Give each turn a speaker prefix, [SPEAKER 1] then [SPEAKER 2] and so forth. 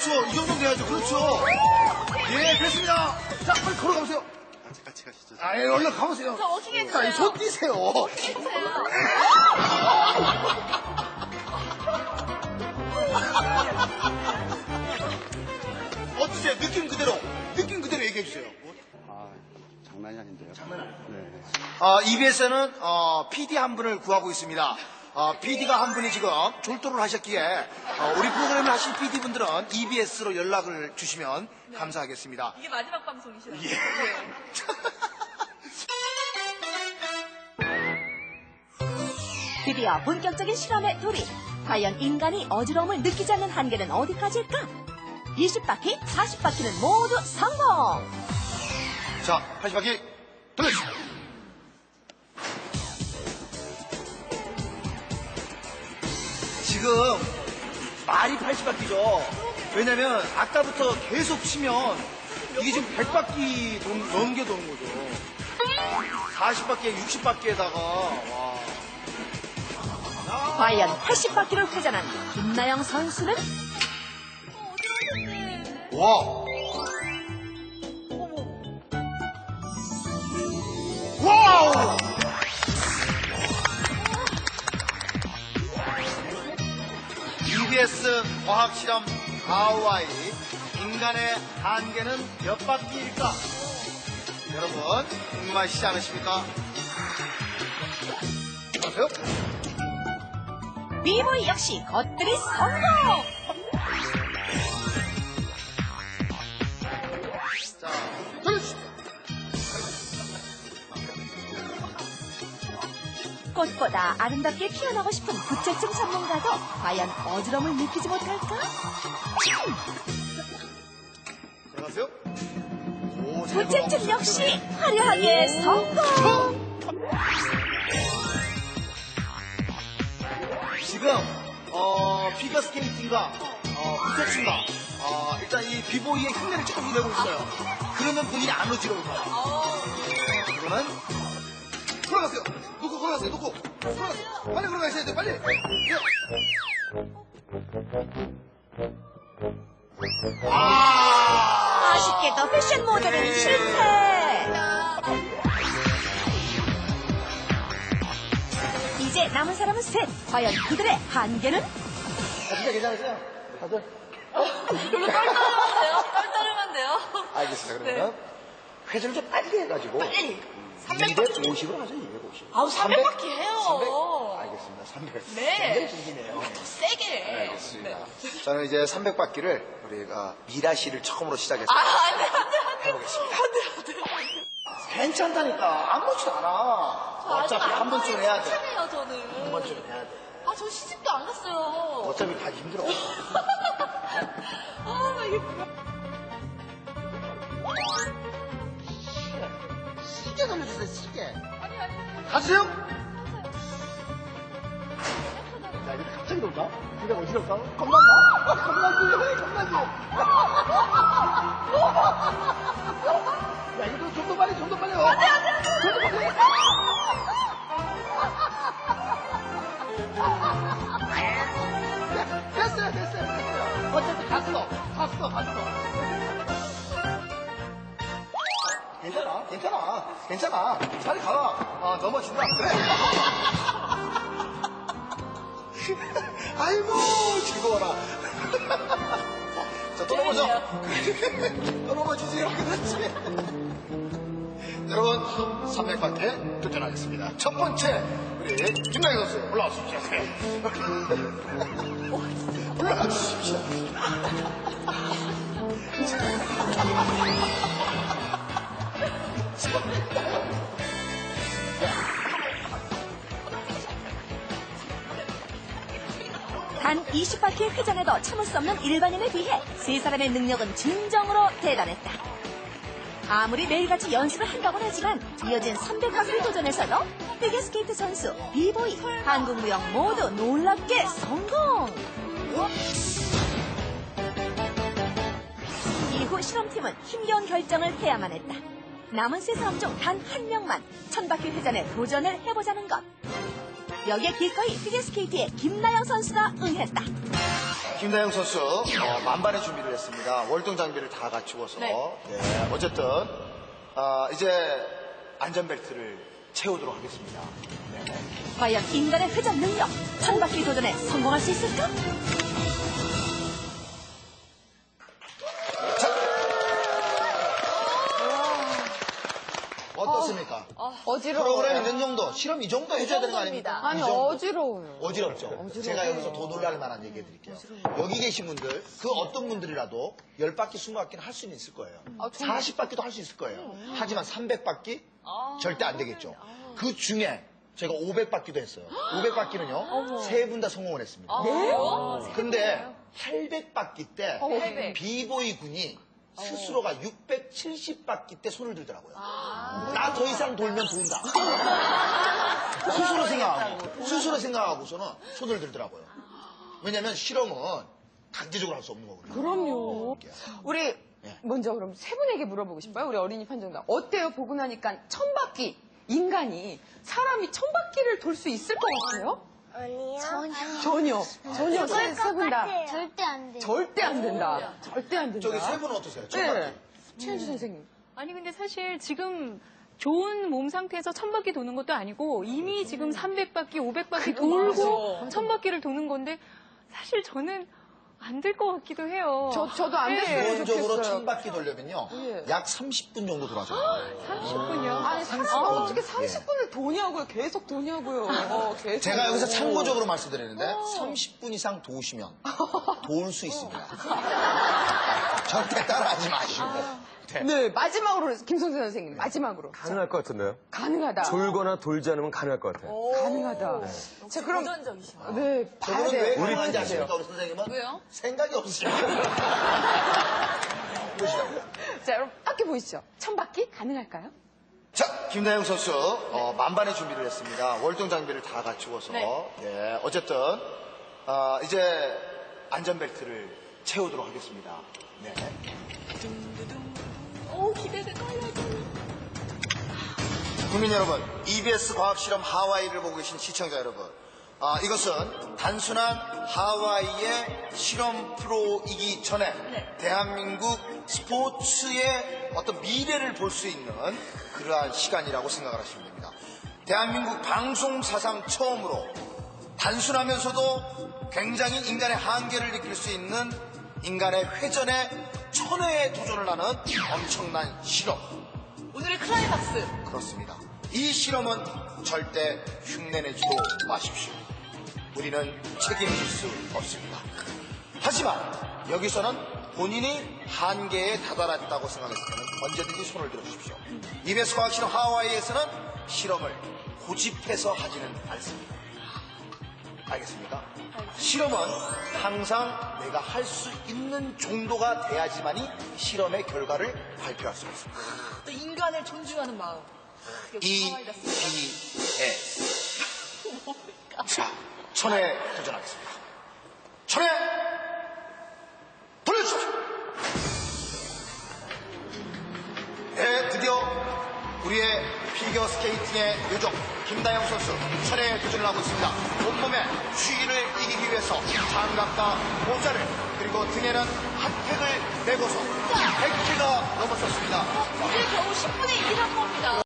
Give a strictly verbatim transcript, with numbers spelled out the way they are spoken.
[SPEAKER 1] 그렇죠. 이 정도 돼야죠. 그렇죠. 예, 됐습니다. 자, 빨리 걸어가보세요.
[SPEAKER 2] 같이 같이 가시죠.
[SPEAKER 1] 아, 예, 얼른 가보세요.
[SPEAKER 3] 저 어떻게 해주세요?
[SPEAKER 1] 자, 손 띄세요. 어떠세요? 느낌 그대로. 느낌 그대로 얘기해주세요.
[SPEAKER 2] 아, 장난이 아닌데요.
[SPEAKER 1] 장난
[SPEAKER 2] 네.
[SPEAKER 1] 어, 이비에스는 어, 피디 한 분을 구하고 있습니다. 어, 피디가 한 분이 지금 졸도를 하셨기에 어, 우리 프로그램을 하신 피디분들은 이비에스로 연락을 주시면
[SPEAKER 3] 네.
[SPEAKER 1] 감사하겠습니다.
[SPEAKER 3] 이게 마지막 방송이시나요?
[SPEAKER 1] 예.
[SPEAKER 4] 드디어 본격적인 실험에 돌입. 과연 인간이 어지러움을 느끼지 않는 한계는 어디까지일까? 이십 바퀴, 사십 바퀴는 모두 성공!
[SPEAKER 1] 자, 팔십 바퀴 돌려주세요. 지금 말이 팔십 바퀴죠. 왜냐면 아까부터 계속 치면 이게 지금 백 바퀴 돈, 넘게 도는 거죠. 사십 바퀴에 육십 바퀴에다가 와.
[SPEAKER 4] 과연 팔십 바퀴를 회전한 김나영 선수는?
[SPEAKER 3] 어, 어지러운데.
[SPEAKER 1] 와. 와우. 이비에스 과학실험 하와이 인간의 한계는 몇 바퀴일까? 여러분 궁금하시지 않으십니까? 안녕하세요.
[SPEAKER 4] 비보이 역시 것들이 성공!
[SPEAKER 1] 자, 돌려주십시오.
[SPEAKER 4] 꽃보다 아름답게 피어나고 싶은 부채증 전문가도 과연 어지러움을 느끼지 못할까?
[SPEAKER 1] 안녕하세요. 오,
[SPEAKER 4] 부채증 역시 화려하게 성공!
[SPEAKER 1] 지금 어, 피겨 스케이팅과 어, 부채춤과 어, 일단 이 비보이의 흉내를 조금 내고 있어요. 그러면 본인이 안 어지러울 거야. 그러면 걸어가세요. 놓고 걸어가세요. 놓고 걸어가세요. 빨리 걸어가셔야 돼. 빨리. 예. 아,
[SPEAKER 4] 아쉽게도 패션 모델은 실패! 이제 남은 사람은 셋. 과연 그들의 한계는?
[SPEAKER 1] 아, 진짜 괜찮으세요? 다들?
[SPEAKER 3] 별로 떨떠름한데요? 떨떠름한데요?
[SPEAKER 1] 알겠습니다. 그러면 회전을 좀 빨리 해가지고
[SPEAKER 3] 빨리. 삼백 바퀴.
[SPEAKER 1] 이백오십으로 하죠. 이백오십.
[SPEAKER 3] 아우, 삼백 바퀴 해요.
[SPEAKER 1] 삼백? 알겠습니다. 삼백.
[SPEAKER 3] 네.
[SPEAKER 1] 굉장히 길기네요.
[SPEAKER 3] 더 세게.
[SPEAKER 1] 알겠습니다.
[SPEAKER 3] 네.
[SPEAKER 1] 저는 이제 삼백 바퀴를 우리가 미라 씨를 처음으로 시작해서
[SPEAKER 3] 아, 안 돼, 안 돼, 안 돼.
[SPEAKER 1] 해보겠습니다.
[SPEAKER 3] 안 돼, 안 돼.
[SPEAKER 1] 괜찮다니까. 아무렇지도 않아. 어차피 한 번쯤 해야 돼.
[SPEAKER 3] 괜찮아요, 저는.
[SPEAKER 1] 한 번쯤 해야 돼.
[SPEAKER 3] 아, 저 시집도 안 갔어요.
[SPEAKER 1] 어차피 가기 힘들어.
[SPEAKER 3] 아, 나 이게 뭐야.
[SPEAKER 1] 시계 돌려주세요. 시계.
[SPEAKER 3] 아니, 아니.
[SPEAKER 1] 가세요. 야, 이거 갑자기 놀까? 네가 어지럽까? 겁난다? 겁나지? 겁나지? 야, 이거 좀 더 빨리, 좀 더 빨리. 안 돼, 안 돼, 안 돼. 좀 더 빨리. 야, 됐어요, 됐어요, 됐어요. 어차피 갔어. 갔어, 갔어. 괜찮아, 괜찮아, 괜찮아. 잘 가. 아, 넘어진다. 그래. 아이고, 즐거워라. 자, 또 넘어져. 또 넘어지세요. 그렇지. 여러분, 삼백 바퀴 도전하겠습니다. 첫 번째, 우리 김나영 선수 올라와 주십시오. 올라와 주십시오.
[SPEAKER 4] 단 이십 바퀴 회전에도 참을 수 없는 일반인에 비해 세 사람의 능력은 진정으로 대단했다. 아무리 매일같이 연습을 한다고는 하지만 이어진 삼백 바퀴 도전에서도 피겨스케이트 선수, 비보이, 한국무용 모두 놀랍게 성공! 이후 실험팀은 힘겨운 결정을 해야만 했다. 남은 세 사람 중 단 한 명만 천 바퀴 회전에 도전을 해보자는 것. 여기에 기꺼이 피겨스케이트의 김나영 선수가 응했다.
[SPEAKER 1] 김다영 선수 어, 만반의 준비를 했습니다. 월동 장비를 다 갖추어서.
[SPEAKER 3] 네.
[SPEAKER 1] 네, 어쨌든 어, 이제 안전벨트를 채우도록 하겠습니다. 네.
[SPEAKER 4] 과연 인간의 회전 능력, 천바퀴 도전에 성공할 수 있을까?
[SPEAKER 1] 어떻습니까?
[SPEAKER 5] 어지러워요.
[SPEAKER 1] 프로그램 있는 정도, 실험 이 정도 해줘야 되는 거 아닙니까?
[SPEAKER 5] 아니,
[SPEAKER 1] 이 정도.
[SPEAKER 5] 어지러워요.
[SPEAKER 1] 어지럽죠? 제가 여기서 더 놀랄 만한 얘기 해드릴게요. 여기 계신 분들, 그 어떤 분들이라도 열 바퀴, 스무 바퀴는 할 수는 있을 거예요. 사십 바퀴도 할 수 있을 거예요. 하지만 삼백 바퀴? 절대 안 되겠죠. 그 중에 제가 오백 바퀴도 했어요. 오백 바퀴는요, 세 분 다 성공을 했습니다.
[SPEAKER 5] 네?
[SPEAKER 1] 근데 팔백 바퀴 때
[SPEAKER 3] 팔백.
[SPEAKER 1] 비보이 군이 스스로가 육백칠십 바퀴 때 손을 들더라고요. 나 더 이상 돌면 돈다. 스스로 생각하고, 스스로 생각하고서는 손을 들더라고요. 왜냐면 실험은 강제적으로 할 수 없는 거거든요.
[SPEAKER 5] 그럼요. 우리
[SPEAKER 1] 네.
[SPEAKER 5] 먼저 그럼 세 분에게 물어보고 싶어요. 우리 어린이 판정단. 어때요? 보고 나니까 천 바퀴, 인간이, 사람이 천 바퀴를 돌 수 있을 것 같아요?
[SPEAKER 6] 아니요. 전혀.
[SPEAKER 5] 전혀. 전혀. 세, 세 분 다.
[SPEAKER 6] 절대 안 돼요.
[SPEAKER 5] 절대 안 된다. 절대 안 된다.
[SPEAKER 1] 저기 세 분은 어떠세요? 첫
[SPEAKER 5] 네.
[SPEAKER 1] 바퀴.
[SPEAKER 5] 최현주 선생님.
[SPEAKER 7] 아니 근데 사실 지금 좋은 몸 상태에서 천 바퀴 도는 것도 아니고 이미 지금 삼백 바퀴, 오백 바퀴 돌고 천 바퀴를 도는 건데 사실 저는 안 될 것 같기도 해요.
[SPEAKER 5] 저, 저도 안 됐으면
[SPEAKER 1] 기본적으로
[SPEAKER 5] 좋겠어요.
[SPEAKER 1] 천 바퀴 돌려면요,
[SPEAKER 5] 예.
[SPEAKER 1] 약 삼십 분 정도 돌아줘요.
[SPEAKER 7] 삼십 분이요?
[SPEAKER 5] 아니, 삼십, 아, 어떻게 삼십 분을 도냐고요. 계속 도냐고요. 어, 계속.
[SPEAKER 1] 제가 여기서 참고적으로 말씀드리는데 삼십 분 이상 도우시면 도울 수 있습니다. 절대 따라하지 마시고. 네.
[SPEAKER 5] 네, 마지막으로, 김성재 선생님, 마지막으로.
[SPEAKER 8] 가능할 것 같은데요?
[SPEAKER 5] 가능하다.
[SPEAKER 8] 돌거나 돌지 않으면 가능할 것 같아요.
[SPEAKER 5] 가능하다. 자, 그럼.
[SPEAKER 3] 도전적이시네요.
[SPEAKER 5] 네, 봐야
[SPEAKER 1] 저분은 왜
[SPEAKER 5] 돼요.
[SPEAKER 1] 가능한지
[SPEAKER 5] 봐야
[SPEAKER 1] 아십니까,
[SPEAKER 5] 돼요.
[SPEAKER 1] 우리 선생님은?
[SPEAKER 3] 왜요?
[SPEAKER 1] 생각이 없으십니다. 보시죠.
[SPEAKER 5] 자, 여러분, 밖에 보이시죠? 천 바퀴 가능할까요?
[SPEAKER 1] 자, 김다영 선수 어, 만반의 준비를 했습니다. 월동 장비를 다 갖추어서.
[SPEAKER 3] 네.
[SPEAKER 1] 예, 어쨌든 어, 이제 안전벨트를 채우도록 하겠습니다. 네.
[SPEAKER 3] 오, 기대돼, 떨려져.
[SPEAKER 1] 국민 여러분, 이비에스 과학실험 하와이를 보고 계신 시청자 여러분, 아, 이것은 단순한 하와이의 실험 프로이기 전에 대한민국 스포츠의 어떤 미래를 볼 수 있는 그러한 시간이라고 생각을 하시면 됩니다. 대한민국 방송 사상 처음으로 단순하면서도 굉장히 인간의 한계를 느낄 수 있는 인간의 회전에 천회에 도전을 하는 엄청난 실험.
[SPEAKER 3] 오늘의 클라이막스.
[SPEAKER 1] 그렇습니다. 이 실험은 절대 흉내내지도 마십시오. 우리는 책임질 수 없습니다. 하지만 여기서는 본인이 한계에 다다랐다고 생각했을 때는 언제든지 손을 들어주십시오. 이비에스 과학실험 하와이에서는 실험을 고집해서 하지는 않습니다. 알겠습니까? 실험은 항상 내가 할 수 있는 정도가 돼야지만이 실험의 결과를 발표할 수가 있습니다.
[SPEAKER 3] 또 인간을 존중하는 마음.
[SPEAKER 1] 이
[SPEAKER 3] 하와이다.
[SPEAKER 1] 비 에스 자, 천에 도전하겠습니다. 천에 돌려주십시오. 네, 드디어 우리의 피겨 스케이팅의 요정 김다영 선수 천에 도전을 하고 있습니다. 온몸에 추위를 이기기 위해서 장갑과 모자를 그리고 등에는 핫팩을 메고서 백 킬로가 넘었었습니다.
[SPEAKER 3] 이제 겨우 십 분의 일을 한 겁니다.